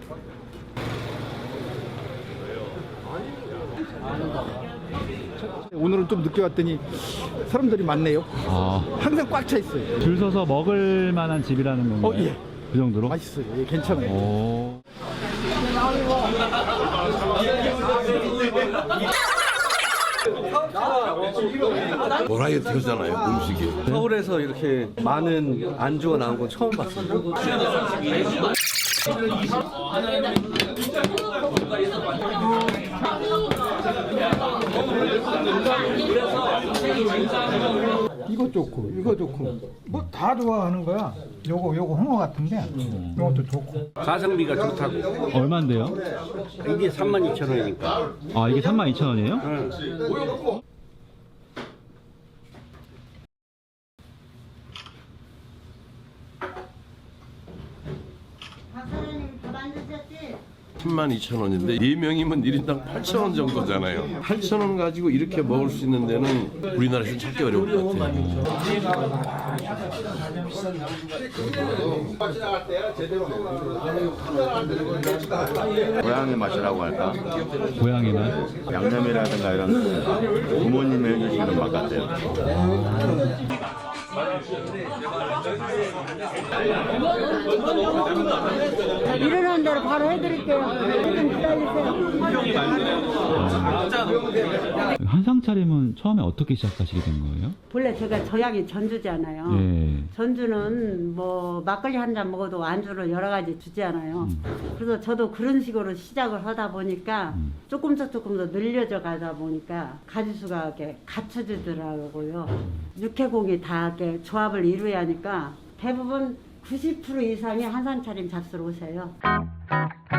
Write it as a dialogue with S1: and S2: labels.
S1: 오늘은 좀 늦게 왔더니 사람들이 많네요. 항상 꽉 차 있어요.
S2: 줄 서서 먹을 만한 집이라는 건가요?
S1: 예.
S2: 그 정도로?
S1: 맛있어요. 예, 괜찮아요.
S3: 버라이어티잖아요, 음식이.
S4: 서울에서 이렇게 많은 안주가 나온 건 처음 봤어요.
S5: 이거 좋고 이거 좋고 뭐 다 좋아하는 거야. 요거 홍어 같은데 요것도 좋고.
S6: 가성비가 좋다고.
S2: 얼만데요?
S6: 이게 32,000원이니까.
S2: 아, 이게 32,000원이에요?
S6: 응.
S7: 박사장님 밥 안 드셨지?
S3: 120,000원인데 4명이면 1인당 8,000원 정도잖아요. 8,000원 가지고 이렇게 먹을 수 있는 데는 우리나라에서 찾기 어려울 것 같아요.
S8: 고향의 맛이라고 할까?
S2: 고향의 맛?
S8: 양념이라든가 이런 부모님이 해주시는 맛 같아요.
S7: 일어나는 대로 바로 해드릴게요. 좀 기다리세요.
S2: 한상 차림은 처음에 어떻게 시작하시게 된 거예요?
S7: 본래 제가 저양이 전주잖아요.
S2: 예.
S7: 전주는 뭐 막걸리 한 잔 먹어도 안주를 여러 가지 주잖아요. 그래서 저도 그런 식으로 시작을 하다 보니까 조금 더 늘려져 가다 보니까 가지수가 이렇게 갖춰지더라고요. 육해공이 다 이렇게 조합을 이루어야 하니까 대부분 90% 이상이 한상 차림 잡수러 오세요.